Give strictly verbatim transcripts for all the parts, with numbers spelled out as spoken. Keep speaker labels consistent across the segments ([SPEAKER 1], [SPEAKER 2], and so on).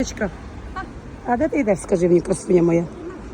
[SPEAKER 1] Квіточка, а де ти йдеш, скажи мені, красуня моя?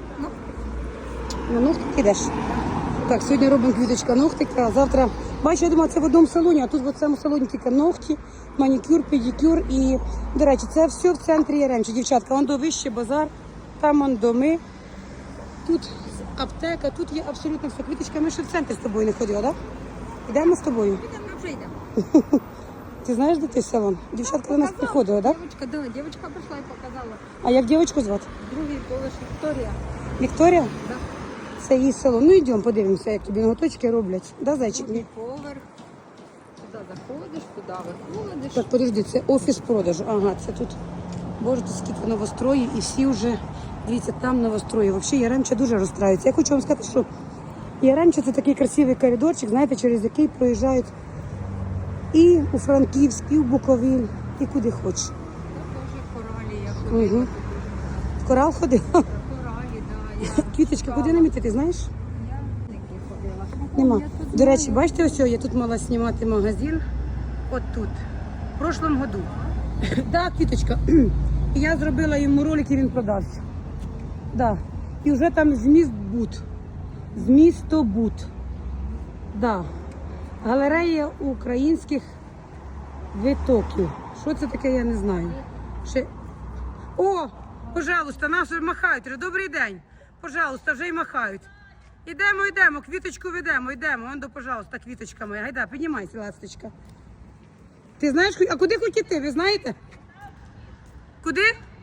[SPEAKER 1] На ногтик йдеш? Так, сьогодні робимо Квіточка ногтики, а завтра, бачу, я думаю, це в одному салоні, а тут в цьому салоні тільки ногті, манікюр, педикюр і, до речі, це все в центрі Яремчі. Дівчатка, вон до вище базар, там вон доми, тут аптека, тут є абсолютно все. Квіточка, ми ще в центр з тобою не ходили, так? Да? Йдемо з тобою?
[SPEAKER 2] Йдемо, вже йдемо.
[SPEAKER 1] Ти знаєш, де той салон? Дівчатка до нас приходила, так?
[SPEAKER 2] Дівчинка, да, дівчинка прийшла і показала.
[SPEAKER 1] А як дівчинку звати?
[SPEAKER 2] Другий поверх Вікторія.
[SPEAKER 1] Вікторія?
[SPEAKER 2] Да.
[SPEAKER 1] Це її салон. Ну йдемо, подивимося, як тобі ноготочки роблять. Да, зайчик?
[SPEAKER 2] Другий поверх. Туди заходиш, туди виходиш.
[SPEAKER 1] Так, подожди, це офіс продажу. Ага, це тут, боже, тут скільки новостроїв і всі вже, дивіться, там новострої. Взагалі Яремча дуже розстраюється. Я хочу вам сказати, що Яремча це такий красивий коридорчик, знаєте, через який проїжджають і у Франківськ, і в Буковель, і куди хочеш.
[SPEAKER 2] Це теж коралі, я ходила.
[SPEAKER 1] Угу. В Корал ходила?
[SPEAKER 2] Коралі, да. Я
[SPEAKER 1] Квіточка, куди нам іти, ти знаєш?
[SPEAKER 2] Я не ходила.
[SPEAKER 1] Нема.
[SPEAKER 2] Я тут
[SPEAKER 1] До речі,
[SPEAKER 2] знаю.
[SPEAKER 1] бачите, ось я тут мала знімати магазин. От тут. В прошлом году. Да, Квіточка. І я зробила йому ролик, і він продався. Да. І вже там зміст бут. Змістобут. Да. Галерея українських витоків. Що це таке, я не знаю. Ще... О, пожалуйста, нас вже махають. Добрий день. Пожалуйста, вже й махають. Ідемо, йдемо, квіточку ведемо, йдемо. Вон до, пожалуйста, квіточка моя. Гайда, піднімайся, ласточка. Ти знаєш, а куди хоч іти, ви знаєте? Куди?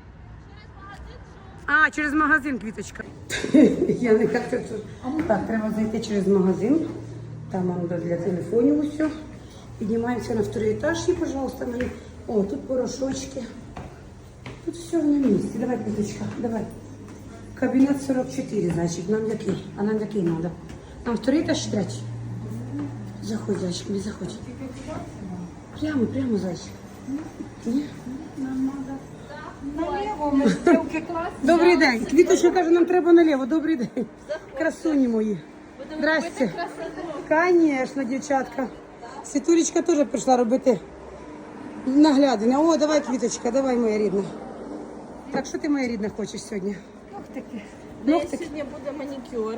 [SPEAKER 1] А, через магазин, Квіточка. Я не як це тут. Так, треба зайти через магазин. Там воно для телефонів усе. Піднімаємося на второй етаж і, пожалуйста, мені. О, тут порошочки. Тут все на місці. Давай, Квіточка, давай. Кабінет сорок чотири, значить, нам який? А нам який треба? Нам второй етаж, третій. Заходь, зайчик, не заходь. Прямо, прямо, зайчик. Ні?
[SPEAKER 2] Нам треба наліво, ми стрілки класні.
[SPEAKER 1] Добрий день. Квіточка каже, нам треба наліво. Добрий день. Красуні мої. Здрасте. Звісно, дівчатка. Світулечка теж прийшла робити наглядання. О, давай, Квіточка, давай, моя рідна. Так, що ти, моя рідна, хочеш сьогодні?
[SPEAKER 2] Ногтики.
[SPEAKER 1] Ногтики?
[SPEAKER 2] Сьогодні буде манікюр.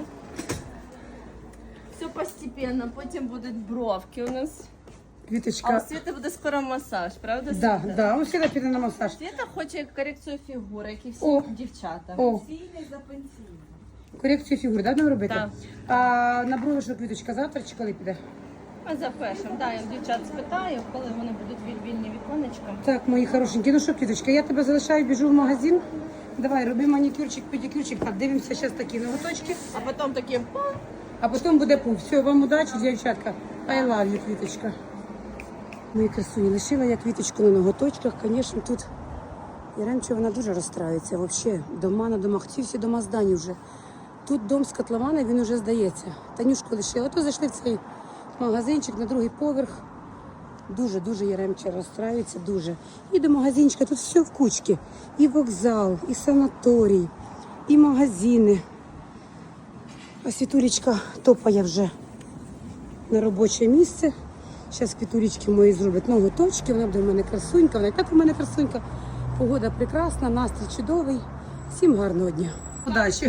[SPEAKER 2] Все постепенно, потім будуть бровки у нас. А
[SPEAKER 1] Квіточка.
[SPEAKER 2] у Світи буде скоро масаж, правда?
[SPEAKER 1] Да,
[SPEAKER 2] Світа?
[SPEAKER 1] да, ось сюди піде на масаж.
[SPEAKER 2] Світа хоче корекцію фігури, як і всі
[SPEAKER 1] О.
[SPEAKER 2] дівчата.
[SPEAKER 1] О.
[SPEAKER 2] Пенсійний за пенсійний.
[SPEAKER 1] Корекцію фігури, да, нам робити?
[SPEAKER 2] Так.
[SPEAKER 1] А на брови, що, Квіточка, завтра чи коли піде?
[SPEAKER 2] Ми запишемо. Да, я в дівчат спитаю, коли вони будуть віль- вільні віконечка.
[SPEAKER 1] Так, мої хорошенькі, ну що, Квіточка, я тебе залишаю, біжу в магазин. Давай, роби манікюрчик, педикюрчик. Так, дивимося зараз такі ноготочки.
[SPEAKER 2] А потім такі пам.
[SPEAKER 1] А потім буде пух. Все, вам удачі, дівчатка. I love you, Квіточка. Мої красуні, лишила я Квіточку на ноготочках. Звісно, тут Яремча, вона дуже розстраюється. Взагалі, дома на домах. Ці всі дома здані вже. Тут дом з котлована, він вже здається. Танюшку лишила. То зайшли в цей магазинчик на другий поверх. Дуже-дуже Яремча розстраюється, дуже. І до магазинчика, тут все в кучці. І вокзал, і санаторій, і магазини. А Світулечка топає вже на робоче місце. Зараз Квітулечки мої зроблять ноготочки, вона буде в мене красунька, вона і так у мене красунька. Погода прекрасна, настрій чудовий. Всім гарного дня. Удачі.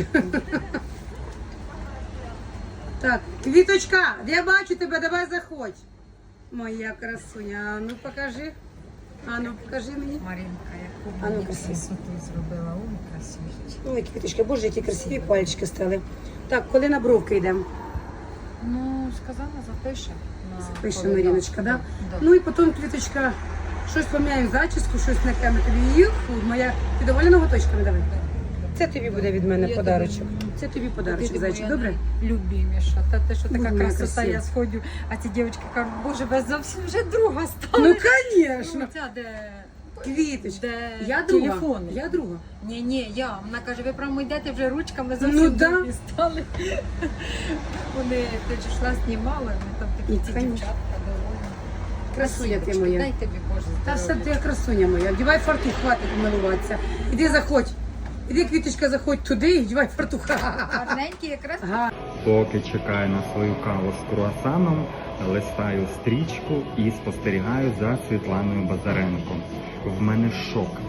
[SPEAKER 1] Так, Квіточка, я бачу тебе, давай заходь. Моя красуня, а ну покажи. А ну покажи мені.
[SPEAKER 3] Маринка, яку
[SPEAKER 1] А ну,
[SPEAKER 3] мені
[SPEAKER 1] красиво.
[SPEAKER 3] красоту зробила, ой, красивіше.
[SPEAKER 1] Ой, Квіточка, боже, які красиві пальчики стали. Так, коли на бровки йдемо?
[SPEAKER 3] Ну, сказала, запише. на
[SPEAKER 1] Пише
[SPEAKER 3] повідомлення.
[SPEAKER 1] Маріночка, да?
[SPEAKER 3] Да.
[SPEAKER 1] Ну і потім, Квіточка, щось поміняю зачіску, щось на камеру тобі. Юху, моя, ти доволі ноготочками давай? Це тобі буде від мене
[SPEAKER 3] Я
[SPEAKER 1] подарочок.
[SPEAKER 3] думаю,
[SPEAKER 1] Це тобі подарочок,
[SPEAKER 3] Ти
[SPEAKER 1] зайчик,
[SPEAKER 3] моя
[SPEAKER 1] добре?
[SPEAKER 3] Любіміша. Та те, що така
[SPEAKER 1] Моя
[SPEAKER 3] красота,
[SPEAKER 1] красива.
[SPEAKER 3] я сходжу, а ці дівчатки кажуть, боже, ви зовсім вже друга стали.
[SPEAKER 1] Ну, звісно.
[SPEAKER 3] Ну, ця, де...
[SPEAKER 1] Квіточка,
[SPEAKER 3] де
[SPEAKER 1] я друга,
[SPEAKER 3] телефони.
[SPEAKER 1] я друга.
[SPEAKER 3] Ні, ні, я. Вона каже, ви прямо йдете вже ручками зовсім
[SPEAKER 1] Ну, да.
[SPEAKER 3] другі стали. Вони ти ж йшла, знімали, ми там такі
[SPEAKER 1] Ну,
[SPEAKER 3] ці
[SPEAKER 1] конечно.
[SPEAKER 3] дівчатка доволі.
[SPEAKER 1] Красуня ти
[SPEAKER 3] Красивочки,
[SPEAKER 1] моя.
[SPEAKER 3] дай тобі Боже
[SPEAKER 1] Та все
[SPEAKER 3] здоров'я.
[SPEAKER 1] ти красуня моя. Вдівай фартух, хватить милуватися. Іди заходь. Іди, Квіточка, заходь туди і вдівай фартух.
[SPEAKER 3] Гарненькі якраз.
[SPEAKER 1] Ага.
[SPEAKER 4] Поки чекаю на свою каву з круасаном, листаю стрічку і спостерігаю за Світланою Базаренко. В мене шок.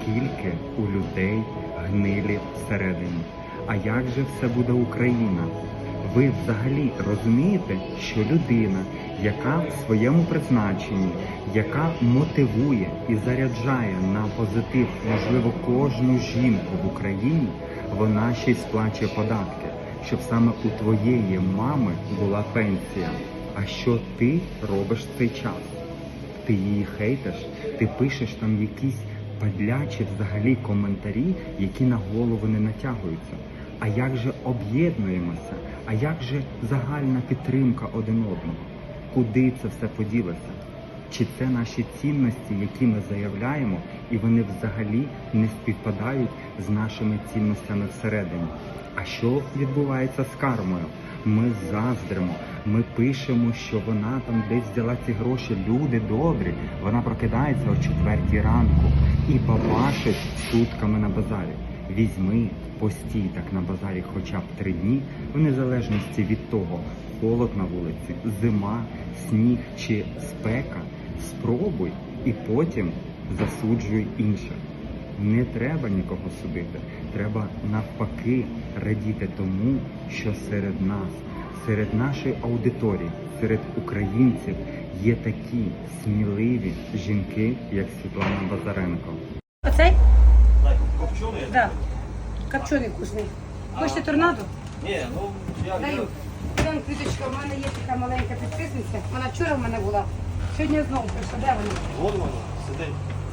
[SPEAKER 4] скільки у людей гнилі всередині. А як же все буде Україна? Ви взагалі розумієте, що людина, яка в своєму призначенні, яка мотивує і заряджає на позитив, можливо, кожну жінку в Україні, вона ще й сплачує податки, щоб саме у твоєї мами була пенсія. А що ти робиш в цей час? Ти її хейтиш, ти пишеш там якісь падлячі взагалі коментарі, які на голову не натягуються. А як же об'єднуємося? А як же загальна підтримка один одного? Куди це все поділося? Чи це наші цінності, які ми заявляємо, і вони взагалі не співпадають з нашими цінностями всередині? А що відбувається з кармою? Ми заздримо, ми пишемо, що вона там десь взяла ці гроші, люди добрі. Вона прокидається о четвертій ранку і бабашить сутками на базарі. Візьми, постій так на базарі хоча б три дні, в незалежності від того, холод на вулиці, зима, сніг чи спека, спробуй і потім засуджуй інших. Не треба нікого судити, треба навпаки радіти тому, що серед нас, серед нашої аудиторії, серед українців є такі сміливі жінки, як Світлана Базаренко.
[SPEAKER 1] Оцей?
[SPEAKER 5] Копченый?
[SPEAKER 1] Да. Копчений вкусний. Хочете торнадо?
[SPEAKER 5] Не, ну я...
[SPEAKER 1] Даю. Там квіточка, в мене є така маленька підписниця. Вона вчора в мене була. Сьогодні знову прийшла. Де вона?
[SPEAKER 5] Вон воно, сидить.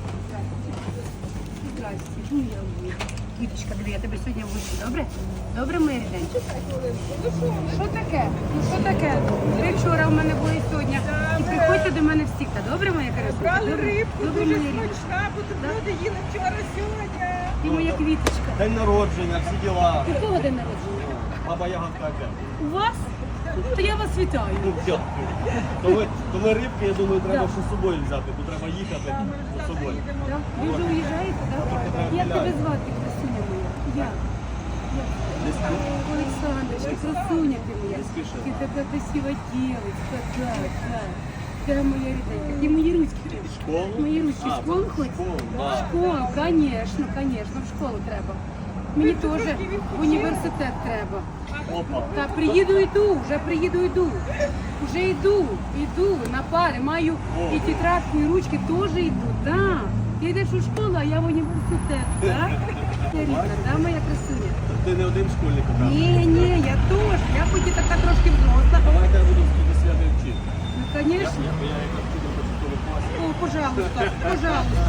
[SPEAKER 1] Здрасте. Ну, я люблю. Квіточка, диви, я тебе сьогодні ввечу. Добре? Добре, моє ріденьке? Що таке? Ну що таке? Ви вчора в мене були сьогодні. І приходьте до мене всі. Добре, моя красуня?
[SPEAKER 3] Брали
[SPEAKER 1] Добре?
[SPEAKER 3] рибку,
[SPEAKER 1] Добре,
[SPEAKER 3] дуже
[SPEAKER 1] моя рідна.
[SPEAKER 3] смачна, бутерброди їли вчора, сьогодні.
[SPEAKER 1] Ти моя квіточка.
[SPEAKER 5] День народження, всі діла.
[SPEAKER 1] У кого день народження?
[SPEAKER 5] Баба Ягодка опять.
[SPEAKER 1] У вас? То я вас вітаю.
[SPEAKER 5] Ну, все. Коли, коли рибки, я думаю, треба ще з собою взяти, бо треба їхати з собою.
[SPEAKER 1] Да? Ви вже уїжджаєте, так? Як тебе звати, красуня моя? Я.
[SPEAKER 5] Десь тут.
[SPEAKER 1] Олександрочка, красуня ти моя.
[SPEAKER 5] спіши.
[SPEAKER 1] Ти така красива дівчинка, так, так. Ти моя рідненька. Ти мої ручки.
[SPEAKER 5] Школу?
[SPEAKER 1] Мої ручки
[SPEAKER 5] А,
[SPEAKER 1] в школу
[SPEAKER 5] в
[SPEAKER 1] ходять?
[SPEAKER 5] школу,
[SPEAKER 1] В
[SPEAKER 5] да.
[SPEAKER 1] школу, звісно, звісно, в школу треба. Мені теж в університет треба.
[SPEAKER 5] Опа.
[SPEAKER 1] Та приїду, йду, вже приїду, йду. Вже йду, йду на пари, маю і тетрадку, і ручки теж йду, да. Ти йдеш у школу, а я в університет, так? Ти рідна, да, моя красуня?
[SPEAKER 5] Ти не один школьник, а так?
[SPEAKER 1] Ні, ні, я теж, я хоч і така трошки взросла.
[SPEAKER 5] Давай я тебе буду в святи вчити.
[SPEAKER 1] Ну,
[SPEAKER 5] Я,
[SPEAKER 1] звісно.
[SPEAKER 5] я, я якраз вчитель початкових класів.
[SPEAKER 1] О, пожалуйста, пожалуйста.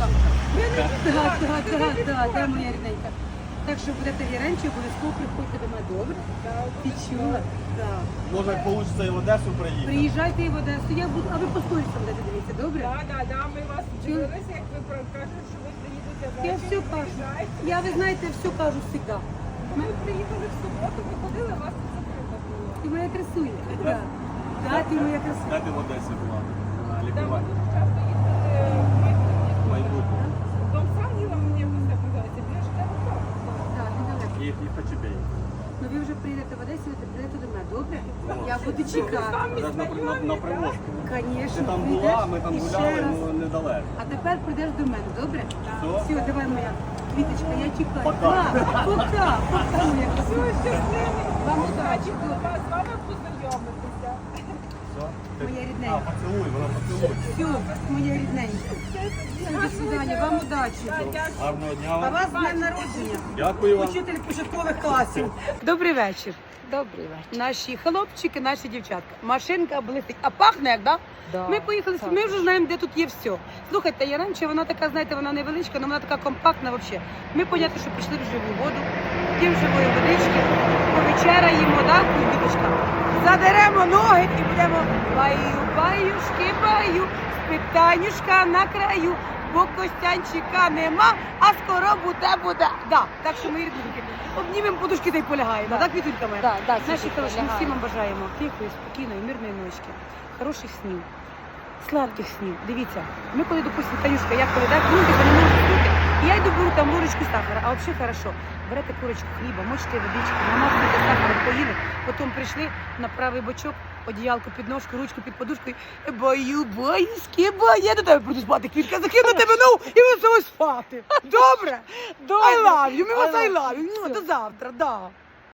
[SPEAKER 1] Так, так, так, так, да, моя рідненька. Так що будете віренчі, обов'язково приходьте до мене, добре? Ти чула? Так.
[SPEAKER 5] Може, як вийде і в Одесу приїхати.
[SPEAKER 1] Приїжджайте і в Одесу, я буду, а ви по сторісам будете дивитися, добре?
[SPEAKER 3] Так, так, так, ми вас дивилися, як ви про- кажете, що ви приїдете
[SPEAKER 1] Я
[SPEAKER 3] ввечері,
[SPEAKER 1] все кажу.
[SPEAKER 3] приїжджайте.
[SPEAKER 1] Я, ви знаєте, все кажу завжди.
[SPEAKER 3] Ми приїхали в суботу, ви ходили, вас тут закрито було.
[SPEAKER 1] Ти моя красуня. Так, да, ти моя красуня.
[SPEAKER 5] Де ти в Одесі була? На
[SPEAKER 3] Там
[SPEAKER 5] лікуванні.
[SPEAKER 3] часто їздили в майбутнє.
[SPEAKER 5] Майбутнє.
[SPEAKER 3] Дом Сангіла, мені якось так називається, біля життєвого парку.
[SPEAKER 1] Так, недалеко.
[SPEAKER 5] І, і Хачебей.
[SPEAKER 1] Ну ви вже приїдете в Одесі, ви прийдете до мене, добре? Я буду чекати.
[SPEAKER 5] Це ж на, на, на привозку.
[SPEAKER 1] Звісно,
[SPEAKER 5] Ти там була, ми там гуляли, ну недалеко.
[SPEAKER 1] А тепер прийдеш до мене, добре?
[SPEAKER 5] Все.
[SPEAKER 1] Все, давай моя квіточка, я чекаю.
[SPEAKER 5] Пока.
[SPEAKER 1] Пока, пока, пока, моя красуня.
[SPEAKER 3] Щасливі,
[SPEAKER 1] Вам
[SPEAKER 3] удачі,
[SPEAKER 1] удачі.
[SPEAKER 3] було вас з вами познайомитися.
[SPEAKER 5] Все?
[SPEAKER 1] Моя
[SPEAKER 5] А,
[SPEAKER 1] рідненька.
[SPEAKER 5] поцілуй, вона поцілуй.
[SPEAKER 1] Все, моя рідненька. До свидання, вам удачі.
[SPEAKER 5] Гарного дня
[SPEAKER 1] А
[SPEAKER 5] вам.
[SPEAKER 1] вас з днем народження.
[SPEAKER 5] Дякую вам.
[SPEAKER 1] Учитель початкових класів. Добрий вечір.
[SPEAKER 6] Добрий вечір.
[SPEAKER 1] Наші хлопчики, наші дівчатка. Машинка блистить. А пахне як, да?
[SPEAKER 6] Да,
[SPEAKER 1] Ми поїхали,
[SPEAKER 6] так.
[SPEAKER 1] ми вже знаємо, де тут є все. Слухайте, Яремче, вона така, знаєте, вона невеличка, але вона така компактна взагалі. Ми, понятно, що пішли в живу воду, п'ємо живої водички, повечеряємо, да, квіточка. Задеремо ноги і будемо баю, баюшки, баю, питанюшка на краю, бо Костянчика нема, а скоро буде, буде. Да, так що ми рідненькі. Обнімемо подушки та й полягаємо. Да. Так, Квітулька моя?
[SPEAKER 6] Да, да,
[SPEAKER 1] Наші
[SPEAKER 6] Квітулька,
[SPEAKER 1] хороші, ми
[SPEAKER 6] лягаємо.
[SPEAKER 1] всім вам бажаємо тихої, спокійної, мирної ночки, хороших снів, сладких снів. Дивіться, ми коли, допустимо, Танюшка, я коли так, ну, типу, не можу спити, і я йду беру там ложечку сахара, а взагалі хорошо. Берете курочку хліба, мочите водичку, намазуєте сахаром, поїли, потім прийшли на правий бочок, одіялку під ножку, ручку під подушку. Бою, боїськи, бою. Я до тебе буду спати, Квітка, закину тебе нову і ми з тобою спати. Добре? Добре. I love you, ми вас I love you. Ну, до завтра, да.